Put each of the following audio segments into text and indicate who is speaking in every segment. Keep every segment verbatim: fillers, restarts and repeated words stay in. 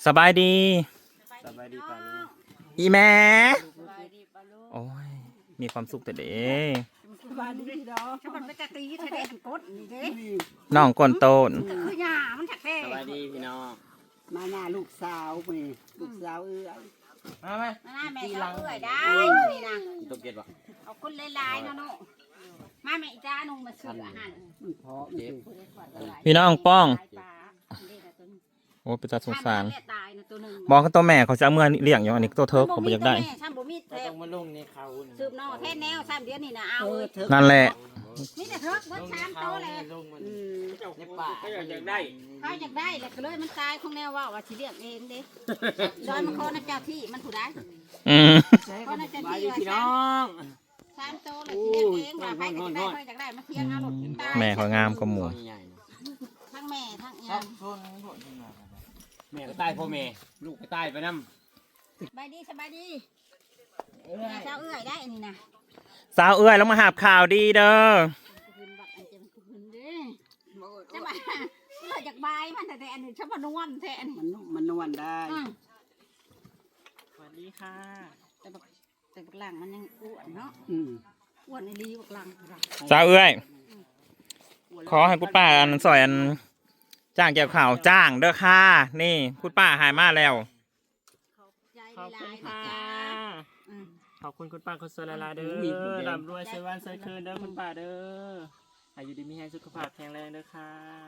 Speaker 1: สบายดี
Speaker 2: สบายดีป่ะลูก
Speaker 1: อีแม่
Speaker 3: สบายดีป่ะลูก
Speaker 1: โอ้ยมีความสุขแต่เด้
Speaker 3: สบายดีพี่น้องฉันมันไปกะตีทะเลกดนี่เด้
Speaker 1: น้องก้นโตน
Speaker 3: ก็คือหญ้ามันถักแท้
Speaker 2: สบายดีพี่น้อง
Speaker 4: มาหน้าลูกสาวไปลูกสาวเอ้ย
Speaker 2: มาไหม
Speaker 3: มาหน้าแม่เขาเอื้อยได้นี่นะ
Speaker 2: ตกเย็นปะ
Speaker 3: เอาคนหลายๆเนาะเนาะมาแม่อีจ้านุ่งมาซื้ออาหาร
Speaker 4: มันเพาะมันสิ
Speaker 1: พี่น้องป้อง
Speaker 3: ปลาเด็กตัวนึง
Speaker 1: โอ้เป็นตาสงสาร
Speaker 3: ตายนะตัวนึง
Speaker 1: บอกเขาตัวแม่เขาจะเอาเมื่อเลี้ยงอยู่อันนี้ตัวเธอเขาไม่อยากได้
Speaker 3: ฉันบ่มี
Speaker 2: เรา
Speaker 3: แท้
Speaker 2: ต้องมาลงในเขา
Speaker 3: สืบนอกแท้แนวซ้ำเดียวนี่นะเอา
Speaker 4: เออเธอ
Speaker 1: นั่นแหละ
Speaker 3: มีแต่เถิกเบิดสามโตเลย
Speaker 2: ลงมัน
Speaker 4: อืม
Speaker 2: ในป่าเขาอยากได้
Speaker 3: เขาอยากได้แหละก็เลยมันตายของแนวว่าว่าสิเลี้ยงเองเด้โดยมันขอนะเจ้าที่มันผู้ใด
Speaker 1: อืม
Speaker 3: ขอนะเจ้า
Speaker 2: สบาย
Speaker 3: ที่
Speaker 2: ดี
Speaker 3: ว่า
Speaker 2: พี่น้
Speaker 3: สา
Speaker 2: อ
Speaker 3: ม
Speaker 2: ง
Speaker 3: สามโตเลยสิเลี้ยงเองว่าไปก็จะได้ไปจากได้มาเที่ยงเอาหลดตาย
Speaker 1: แม่เขางามกว่าหมู
Speaker 3: ทั้งแม่ทั้ง
Speaker 2: ครั
Speaker 3: ยา
Speaker 2: บแม่ก็ตายพ่อแม่ลูกก็ตายไปน้ำ
Speaker 3: สบายดีสบายดีแม่เจ้าเอื้อยได้อันนี้นะ
Speaker 1: สาวเอื้อยแล้วมาหาบข่าวดีเด้อ
Speaker 3: คืนบักอันเจ็บคืนเด้จะมาเอื้อยจากใบมันแต่แต่อันนี้ชอบมานวลแท้อันนี้
Speaker 4: มันมันนวลได้
Speaker 3: อืม
Speaker 2: สวัสดีค่ะ
Speaker 3: แต่บักแต่บักหลังมันยังอ้วนเนาะ
Speaker 4: อืม
Speaker 3: อ้วนในรีบักหลัง
Speaker 1: สาวเอื้อยขอให้คุณป้าอันสอยอันจ้างเกี่ยวข่าวจ้างเด้อค่ะนี่คุณป้าหายมาแล้ว
Speaker 3: ใจ
Speaker 2: ขอบ
Speaker 3: ห
Speaker 2: คุ
Speaker 3: ลา
Speaker 2: ณ
Speaker 3: ยๆ
Speaker 2: ค่ะ
Speaker 3: จ้าอืม
Speaker 2: ขอบคุณคุณป้าคุณสลาลาเด้อร่ำรวยเซวันเซคืนเด้อคุณป้าเด้ออายุดีมีแรงสุขภาพแข็งแรงเด้อค่ะ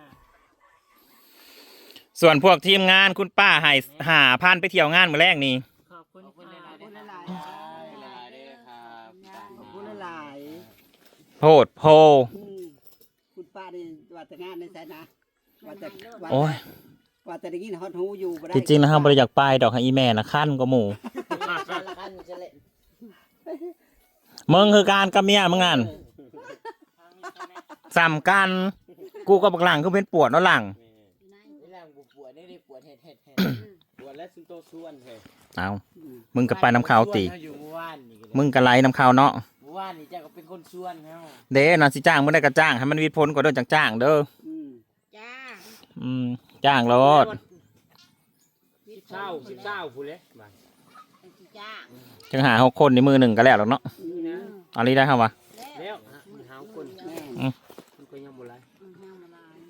Speaker 1: ส่วนพวกทีมงานคุณป้าใหายหาพันไปเที่ยวงานมื้อแรกนี่
Speaker 2: ขอบคุณ
Speaker 4: ขอบคุณ
Speaker 2: ค่ะ
Speaker 4: หลายๆ
Speaker 2: ห
Speaker 4: ห
Speaker 2: ลา
Speaker 4: ลาย
Speaker 2: ยๆเด้อครับ
Speaker 4: ๆขอบคุณหลาย
Speaker 1: โพดโพ
Speaker 4: ๆอืมคุณป้านี่ว่าแต่งานในสายนะว่าแต่ว่า
Speaker 1: โอ้ย
Speaker 4: ว่าแต่ได้ยินฮอตฮูอยู่บ่ได้
Speaker 1: ที่จริงนะครับบริอยากไปดอกให้อีแม่นะขั้นก็หมู่มึงคือการกับเมียมึงงานสำกันกูกับบักหลังคือเป็นปวดเนาะหลัง
Speaker 2: นี่แรงปวดนี่ได้ปวดเห็ดเห็ดเห็ดปวดและซุนโตส่วนเถอะ
Speaker 1: เอามึงกับไปน้ำขาวตี
Speaker 2: อยู่เมื่อวานนี่ก็เลย
Speaker 1: มึงกับไล่น้ำขาวเนาะ
Speaker 2: เมื่อวานนี่เจ้าก็เป็นคนส่วนเฮา
Speaker 1: เด้นะสิจ้างมึงได้ก็จ้างให้มันวิดพ้นกว่าเด้อจังจ้างเด้อ
Speaker 4: อืม
Speaker 3: จ้า
Speaker 1: อืมจ้างรถ
Speaker 2: สิบเช้าสิบเช้าพูดเลยมา
Speaker 3: เป็นสิจ้า
Speaker 1: จังหาหกคนในมือหนึ่งก็แล้วหรอกเนาะ
Speaker 4: อืม
Speaker 2: นะ
Speaker 1: เอะไรได้ครับวะ
Speaker 3: แล้ว
Speaker 2: แล้วมันหาคน
Speaker 4: แม่
Speaker 2: มันก็ยังบ่ไร
Speaker 3: อืมห้ามละลาย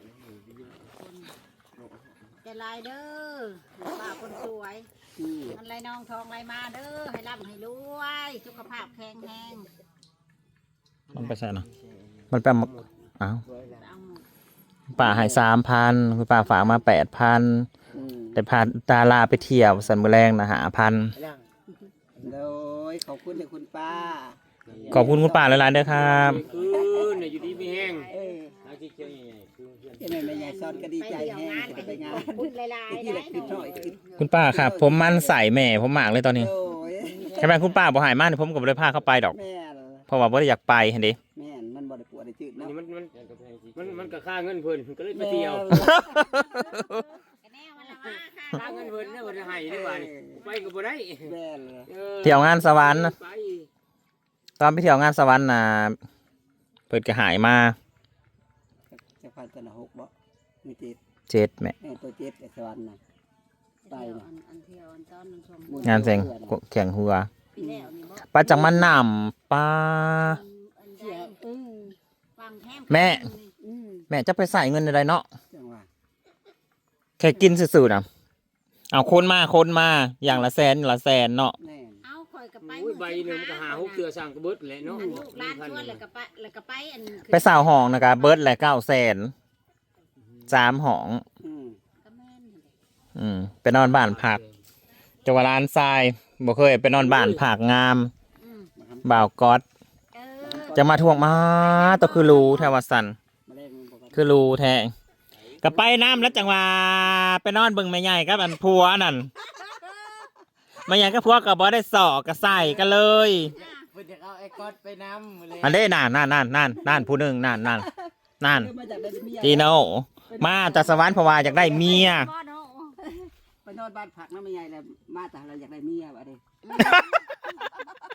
Speaker 3: จะลายเด้อป้าคนสวย
Speaker 4: อืม
Speaker 3: มันไรน้องทองไรมาเด้อให้ร่ำให้รวยสุขภาพแข็งแรง
Speaker 1: มันไปใช่เนาะมันเป็นอ้าว
Speaker 3: เอาหมด
Speaker 1: ป้าใหายสามพันคุณป้าฝากมาแปดพัน
Speaker 4: อืม
Speaker 1: แต่พาตาลาไปเที่ยวสันมือแรงนะหาพัน
Speaker 4: โดยขอบคุณเลยคุณป้า
Speaker 1: ขอบคุณคุณป้าหลายๆเด้อครับ
Speaker 2: คือเนี่ยอยู่ดีมีแห้ง
Speaker 4: เออ
Speaker 2: เอาที่เขียวใหญ่ๆคือเพื่อน
Speaker 4: ยังไงแม่ใหญ่ซ้อนก็ดี
Speaker 3: ไป
Speaker 4: ใจ
Speaker 3: เที่ยว
Speaker 4: แห้
Speaker 3: งาง นกัน
Speaker 4: ไปงาน
Speaker 3: พูดลายๆ
Speaker 4: ที่
Speaker 3: ได้
Speaker 4: แหละคือน้อยคือ
Speaker 1: คุณป้าครับ ผมมันใส่แม่ผมมากเลยตอนนี้
Speaker 4: โอ้ย
Speaker 1: แค่แม่คุณป้าบ่ใหายมากผมก็บ่ได้พาเข้าไปดอก
Speaker 4: แม่น
Speaker 1: เพราะว่าบ่ได้อยากไปเห็นดิ
Speaker 4: แม่นมันบ่ได้ปวดได้จืด
Speaker 2: อัน
Speaker 4: เนาะ
Speaker 2: นี้มันมันมันมันก็ค่าเงินเพิ่นก็เลยไปเที่ยว
Speaker 3: กันแน่วันละว่าค่ะ
Speaker 2: ค่าเงินเพิ่นเนี่ยบ่ได้ให้ได้บ่นี่ไปก็บ่ได้
Speaker 4: แม่น
Speaker 1: เที่ยวงานสวรรค์
Speaker 2: ไป
Speaker 1: ตอนไปเที่ยวงานสวรรค์น่ะเปิดก็หายมา
Speaker 4: จะพันตัวละหกบ่มีเจ็ด
Speaker 1: เจ็ดแม่
Speaker 4: แม่ตัวเจ็ดไอ้สวรรค์น่ะ ไป
Speaker 3: เที่ยว
Speaker 4: นะ
Speaker 3: อันอันเที่ยวอันตอนนึงชม
Speaker 1: งานเซ็งแข่งหัว
Speaker 3: ปีแล้วนี่บ่
Speaker 1: ป้าจังมันนำป้า
Speaker 3: อันใดอืมฟังแท้
Speaker 1: แม่
Speaker 4: อืม
Speaker 1: แม่จะไปใส่เงินอะไรเนาะ
Speaker 4: จังหวะ
Speaker 1: แค่กินซื่อๆนะเอาคนมาคนมาอย่างละแสนอย่างละแสนเนาะ
Speaker 4: แม่น
Speaker 3: เอาคอยกับไป
Speaker 2: โอ้ยใบหนึงมันก็หาหกเทื่อสร้างกระเบิดแหละเนาะ
Speaker 3: อันลูกร้านชวนแล้วก็ไปแล้วก็ไปอัน
Speaker 1: ไปสาวห้องนะครับเบิร์ดแหละเก้าแสนสามห้อง
Speaker 4: อืม
Speaker 3: ก็แม่นนั่นแหละ
Speaker 1: อืมไปนอนบ้านผักจังหวัดลานทรายบ่เคยไปนอนบ้านผักงาม
Speaker 3: อืม
Speaker 1: บ่าวก๊อต
Speaker 3: เออ
Speaker 1: จะมาทวงมาตัวคือรูแทวาสัน
Speaker 4: มาเล่นมันบอกว่า
Speaker 1: คือรูแทงก็ไปน้ำแล้วจังหวะไปนอนเบิ่งแม่ใหญ่กับอันพัวนั่นแม่ใหญ่กับพัวก็บ่ได้สอกก็ใส่กันเลย
Speaker 2: เพิ่นจะเอาไอ้ก๊อตไปนำเลย
Speaker 1: อันนี้นั่นนั่นนั่นนั่นนั่นผู้หนึ่งนั่นนั่นนั่น
Speaker 4: เออมาจากได้เมีย
Speaker 1: จีโน่มาจากสวรรค์เพราะว่าอยากได้เมีย
Speaker 3: บ่เนาะ
Speaker 4: ไปนอนบ้านผักน้ำไม่ใหญ่แล้วมาแต่เราอยากได้เมียว่ะเด้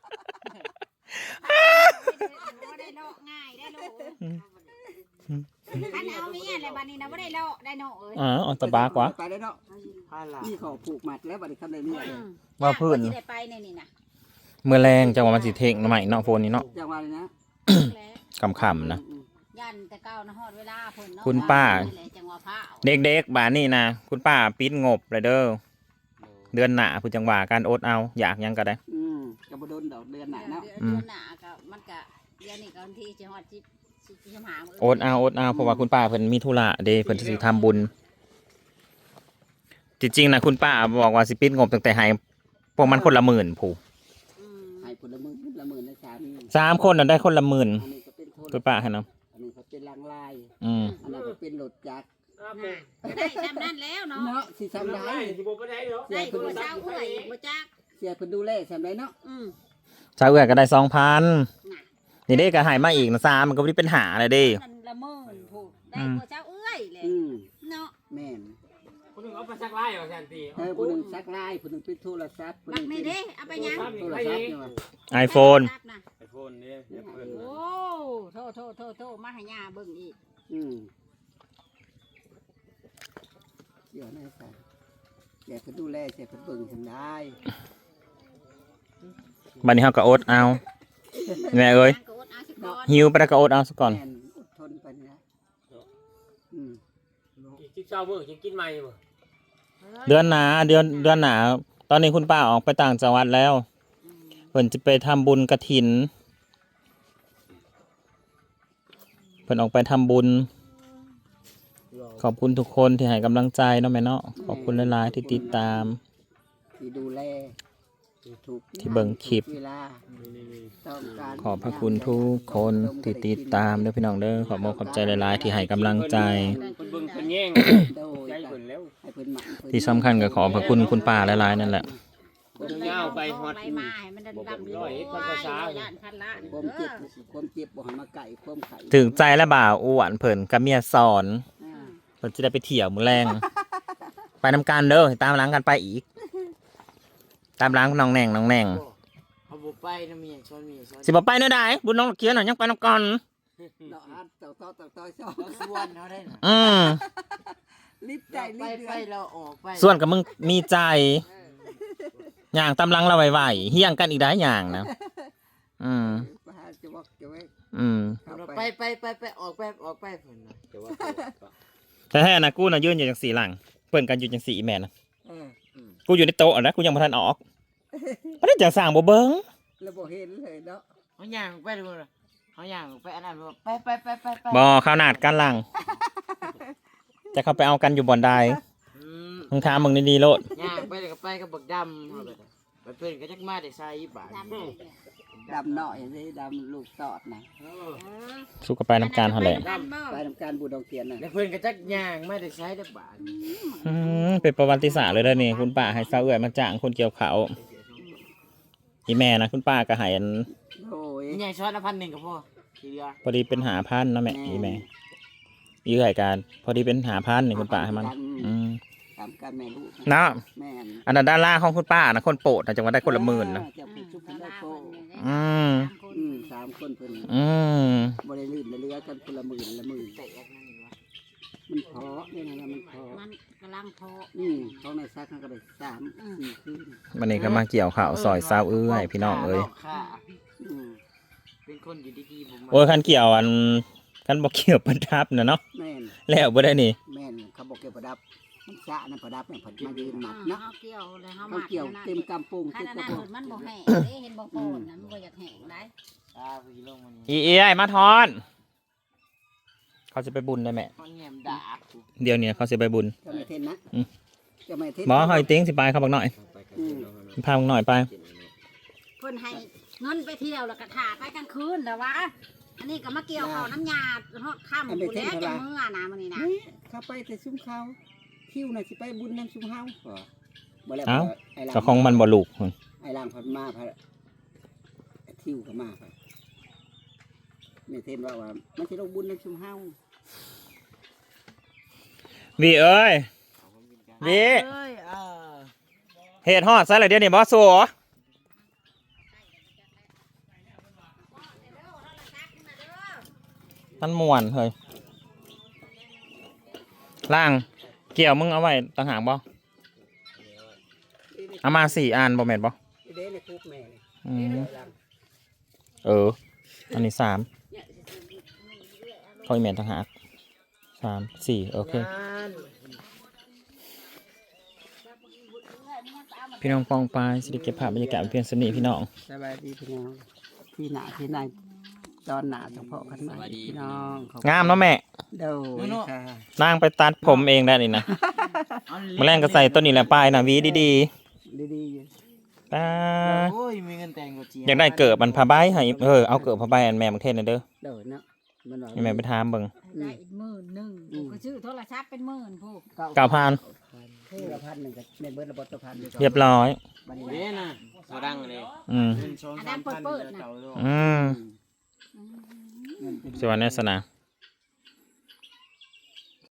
Speaker 3: บ่ได้เนาะง่ายได้ลูกคันเอาเมียอะไรบัดนี้นะบ่ได้เลาะได้เนาะเอ้ย
Speaker 1: อ๋อออนตะบากว่า
Speaker 4: ไปได้เนาะ
Speaker 2: พาลา
Speaker 4: นี่เขาผูกมัดแล้วบัดนี้คำใดเนี่ย
Speaker 3: อืม
Speaker 1: ว่าพื้น
Speaker 3: สิได้ไปในนี่นะ
Speaker 1: เมื่อแรงจังหวะมันสิเทงหน่อไม้เนาะโฟนนี้เนาะ
Speaker 4: จังหวะนี้นะ
Speaker 3: แล้ว
Speaker 1: คำๆนะ
Speaker 4: อืม
Speaker 3: ยันแต่เก้านะฮอดเวลาเพิ่นเนาะ
Speaker 1: คุณป้า
Speaker 3: นี่แหละจังหวะพระเอา
Speaker 1: เด็กๆบ้านนี่นะคุณป้าปิดงบเลยเด้อเดือนหน้าผู้จังหวะการอดเอาอยากหยังก็ได้
Speaker 4: อืมกับบโดนดอกเดือนไหนเนาะ
Speaker 3: เดือนหน้าก็มันก็เดือนนี้ก็วันที่จะฮอดสิบสิบสิบห้ามื้
Speaker 1: อดเอาอดเอาเพราะว่าคุณป้าเพิ่นมีธุระเด้เพิ่นสิทำบุญจริงๆนะคุณป้าบอกว่าสิปิดงบตั้งแต่ให้พวกมันคนละหมื่นผู้
Speaker 3: อืม
Speaker 4: ให้ผลละหมื่นละหมื่นนะสาม
Speaker 1: สามคนน่ะได้คนละหมื่น
Speaker 4: อันนี้ก็เป็นโทษ
Speaker 1: คุณป้าให้เนาะ
Speaker 4: อันนี้ก็เป็นลังลาย
Speaker 1: อืม
Speaker 4: อันนั้นก็เป็นรถจักร
Speaker 2: อ้าว
Speaker 3: น่ะได้จำนั้นแล้วเนาะ
Speaker 4: เนาะสิ
Speaker 2: ทำ
Speaker 4: ทำ
Speaker 2: ได้
Speaker 4: ได้
Speaker 2: สิบ่ได้เนาะ
Speaker 3: ได้ตัวเช้าเอื้อยบ่จัก
Speaker 4: เสียเพิ่นดูแลทำได้เนาะ
Speaker 3: อืม
Speaker 1: ชาวเอื้อก็ได้สองพัน
Speaker 3: น่ะ
Speaker 1: นี่เด้ก็ให้มาอีกนะสามมันก็บ่ได้เป็นหาเลยเด้
Speaker 3: นั่นละหมื่นพูดได้
Speaker 1: อืม
Speaker 3: ตัวเช้าเอื้อยแหละ
Speaker 4: อืม
Speaker 3: เนาะ
Speaker 4: แม่น
Speaker 2: คนหนึงเอาไปซักไล่ว่าซั่นติ
Speaker 4: เออผู้หนึงซักลายผู้หนึงเป็นโทรศัพท์ผู้ห
Speaker 3: บั
Speaker 4: นึ
Speaker 3: ก
Speaker 4: ง
Speaker 3: นี่
Speaker 4: เป็น
Speaker 3: เด้เอาไปยัง
Speaker 4: โทรศัพท์เนี่ยว่ะ
Speaker 1: ไอโฟน
Speaker 3: รับนะ
Speaker 2: ไอโฟนนี่แอปเปิ้ล
Speaker 3: โอ้โทษโทษโทษโทษมาให้ย่าเบิ่งอีก
Speaker 4: อืมเดี๋ยวนะใส่เสียเพิ่นดูแลเสียเพิ่นเบิ่งทำได้
Speaker 1: บัดนี้เฮาก็อดเอาแม่เอ้ย
Speaker 3: ก็อดเอาสิก่อน
Speaker 1: หิวไปแล้วก็อดเอาซะก่อน
Speaker 4: แม่นอดทนไปนะอืม
Speaker 2: อีกสิบเช้ามื้อจะกินใหม่บ่
Speaker 1: เดือนหนาเดือนเดือนหนาตอนนี้คุณป้าออกไปต่างจังหวัดแล้ว
Speaker 3: อืม
Speaker 1: เพิ่นจะไปทำบุญกฐินเพิ่นออกไปทำบุญ ขอบคุณทุกคนที่ให้กำลังใจเนาะแม่เนาะขอบคุณหลายๆที่ติดตาม
Speaker 4: ที่ดูแลถูก
Speaker 1: ที่เบิ่งคลิป
Speaker 4: เวลาต้องการ
Speaker 1: ขอบพระคุณทุกคนที่ติดตามเด้อพี่น้องเด้อขอบคุณขอบใจหลายๆที่ให้กำลังใจ
Speaker 2: เพิ่นเบิ่งเพิ่นแย่ง
Speaker 4: โดย
Speaker 2: ใจเพิ่นแล้ว
Speaker 4: ให้เพิ่นหมั่นเพิ่น
Speaker 1: ที่สำคัญก็ขอบพระคุณคุณป้าหลายๆนั่นแหละ
Speaker 2: เพิ่นยาวไปฮอด
Speaker 3: ไปมาให้มันดำๆ
Speaker 2: ร้อยเอ็ดพันภาษา
Speaker 3: ย่านพันล้าน
Speaker 4: ความเจ็บความเจ็บบ่ให้มาไก่ความไข่
Speaker 1: ถึงใจและบ่าวอ้วนเพิ่นกับเมียสอน
Speaker 4: อ่า
Speaker 1: เพิ่นจะได้ไปเที่ยวมื้อแรง ไปนำกันเด้อตามหลังกันไปอีก ตามหลังน้องแหน่งน้องแหน่ง
Speaker 2: เขาบ่ไปนำมีหยังซ้อนมีหยังซ้อน
Speaker 1: สิบ่ไปเด้อได้บุญน้องเขียนน่ะยังไปนำกัน
Speaker 4: เนาะอัดต่อต่อต่อต่อชอบ
Speaker 2: เขาส่วนเขาได้น่ะ
Speaker 1: อืม
Speaker 4: รีบใจ
Speaker 2: ไป
Speaker 4: รีบ
Speaker 2: ไป
Speaker 4: เดือน
Speaker 2: เราออกไป
Speaker 1: ส่วนกับมึงมีใจอย่างตามหลังเราไวๆเฮี้ยงกันอีกได้อย่างนะ อืม
Speaker 4: มาหาจะบอกจะไว้
Speaker 1: อืม
Speaker 4: เข้า
Speaker 2: ไป
Speaker 4: ไป
Speaker 2: ไปไปไปออกไปออกไปเพิ่นน่ะแต่ว่า
Speaker 1: แต่แท้นะกูน่ะยืนอยู่จังสี่หลังเปิ้นกันอยู่จังสี่อีแม่นะ
Speaker 4: เออ
Speaker 1: กูอยู่ในโต๊ะนะกูยังบ่ทันออกบ่ได้จังสร้างบ่เบิ่ง
Speaker 4: แล้วบ่เห็นเลยเนาะ
Speaker 2: เขาย่างไปดูน่ะเขาย่างไปอันนั้นบ่ไปไปไปไปไป
Speaker 1: บ่ข้าวหนาดกันหลัง จะเข้าไปเอากันอยู่บ่อนใด
Speaker 2: อืม
Speaker 1: มึงถามมึงดีๆโลด
Speaker 2: ย่างไปแล้วก็ไปกับบักดำเอาไปไปเพิ่นก็จักมาได้ใส่บาท
Speaker 3: ดำเลยเนี่ย
Speaker 4: ดำหน่อยสิดำลูกตอดนะ
Speaker 2: เออ
Speaker 3: เออ
Speaker 1: สู้กับไปน้ำการเท่าแหละ
Speaker 3: ดำบ่
Speaker 4: ไปทำการบูดองเทียนน่ะ
Speaker 2: แล้วเพิ่นก็จักย่างมาได้ใส่ได้บาท
Speaker 1: อืมเป็นประวัติศาสตร์เลยเด้อนี่คุณป้าให้สาวเอื้อยมาจ้างคนเกี่ยวเขาวอีแม่นะคุณป้าก็ให้อัน
Speaker 4: โอ้ย
Speaker 2: ใหญ่ช้อนละพันหนึ่งก็พอทีเดียว
Speaker 1: พอดีเป็นหาพันเนาะแม่อีแม่อีเอื้อยการพอดีเป็นหาพันนี่คุณป้าให้มัน อืม
Speaker 4: ตามการแม่ลูก
Speaker 1: เนาะ
Speaker 4: แม่น
Speaker 1: อันนั้นด้านล่างของคุณป้านะคนโปรดนะจังหวัดได้คนละหมื่นนะ
Speaker 4: จะพูดชุบกันได้โป
Speaker 1: อืม
Speaker 4: อืมสามคนเพิ่น
Speaker 1: อืม
Speaker 4: บ่ได้ลื่นได้เรือกันคนละหมื่นละหมื่น
Speaker 2: แต่แอกนั่นนี่วะ
Speaker 4: มันพอเนี่ยนะมันพอ
Speaker 3: มันกำลังโพ
Speaker 4: อืมเขาในซักเขาก็ได้สามสี่คืน
Speaker 1: วันนี้ก็มาเกี่ยวข่าวซอยสาวเอื้อยพี่น้องเอ้ย
Speaker 2: ค่ะ
Speaker 4: อืม
Speaker 2: เป็นคนอยู่ดีๆผมมา
Speaker 1: โอ้ยคันเกี่ยวอันคันบอกเกี่ยวประดับนะเนาะ
Speaker 4: แม่น
Speaker 1: แล้วบ่ได้นี่
Speaker 4: แม่นเขาบอกเกี่ยวประดับมันสะนั่นประดับเนี่ยผัดมายืนหมัด
Speaker 3: เนาะ
Speaker 4: เนาะ
Speaker 3: เกี่ยวเลยเฮา
Speaker 4: เขาเกี่ยวเต็มกำปุง
Speaker 3: คั
Speaker 4: เต็
Speaker 3: น
Speaker 4: ม
Speaker 3: อัน
Speaker 4: กระ
Speaker 3: นั้น
Speaker 4: ปุก
Speaker 3: มันบ่แห้งเด้เห็นบ่โพนนะมันบ่อยากแห้งได้
Speaker 2: ตาพี่ลงมัน
Speaker 1: อีเอ้ยมาทอน เขาจะไปบุญได้แม่
Speaker 2: มันแง่มด่ากู
Speaker 1: เดี๋ยวนี้เขาจะไปบุญ
Speaker 4: จะไม่เทนนะ
Speaker 1: อืม
Speaker 4: จะไม่เทน
Speaker 1: หมอหอยติ้งสิไปเขาบอกหน่อย
Speaker 4: อืม
Speaker 1: พามึงหน่อยไป
Speaker 3: เพิ่นให้เงินไปเที่ยวแล้วก็ถ่าไปกลางคืนแล้ววะอันนี้ก็มาเกี่ยวข้าวน้ำยาฮอดค่ำพุ่นแล้วจังมื้อนะมื้อนี้นะ
Speaker 4: เฮ้ยเข้าไปแต่ซุ้มเขาคิวน่ะสิไปบุญนั่นซุ้มเฮาบ่บ่แล้ว
Speaker 1: เอ้า
Speaker 4: ไอ้หลัง
Speaker 1: ก็ของมันบ่ลูก
Speaker 4: ไอ้หลังพันมาพันคิวก็มาพันไม่เทนว่าว่ามันสิลงบุญนั่นซุ้มเฮา
Speaker 1: วีเอ้ย วี
Speaker 2: เอ้ยเออ
Speaker 1: เหตุฮอดซะเลยเดี๋ยวนี้บอสสัวมันม่วนเฮ้ยล่างเกี่ยวมึงเอาไว้ต่างหากบ่เอามาสี่อันบ่แม่นบ่
Speaker 4: เด้ในคุกแม่นี่
Speaker 1: อืมเอออันนี้สามเขาอีแม่นต่างหากสามสี่โอเคพี่น้องปองปลายสิริเก็บภาพบรรยากาศเพียงสนิทพี่น้อง
Speaker 4: สบายดีพี่น้องที่หนาที่ไหนตอนหนาเฉพาะกันใหม่พี่น้องขอบคุณ
Speaker 1: งามเนาะแม่
Speaker 4: เด้อค่ะ
Speaker 1: นางไปตัดผมเองได้นี่นะมาแรงก็ใส่ต้นนี้แหละป้ายนะหวีดี
Speaker 4: ดีๆอยู่
Speaker 1: ๆตา
Speaker 2: โอ้ยมีเงินแต่งกับเจี
Speaker 1: อยากได้เกิดมันผ้าใบให้เออเอาเกิดผ้าใบอันแม่บางเทศนะเด้อ
Speaker 4: เด้อเนาะมันว่า
Speaker 1: ให้แม่ไปถามเบิ่ง
Speaker 3: ได้อีกหมื่นหนึ่งก็ชื่อโทรศัพท์เป็นหมื่นพวก
Speaker 1: เก้าพัน
Speaker 4: คู่ละพันหนึ่งกับในเบิร์ดระบบตัวพัน
Speaker 1: เรียบร้อย
Speaker 4: บัดนี้
Speaker 2: เด้น่ะโซดังเลย
Speaker 1: อืม
Speaker 2: เงินสองสามพันเดือนเก่าโลก
Speaker 1: อืมสวัสดีสนะ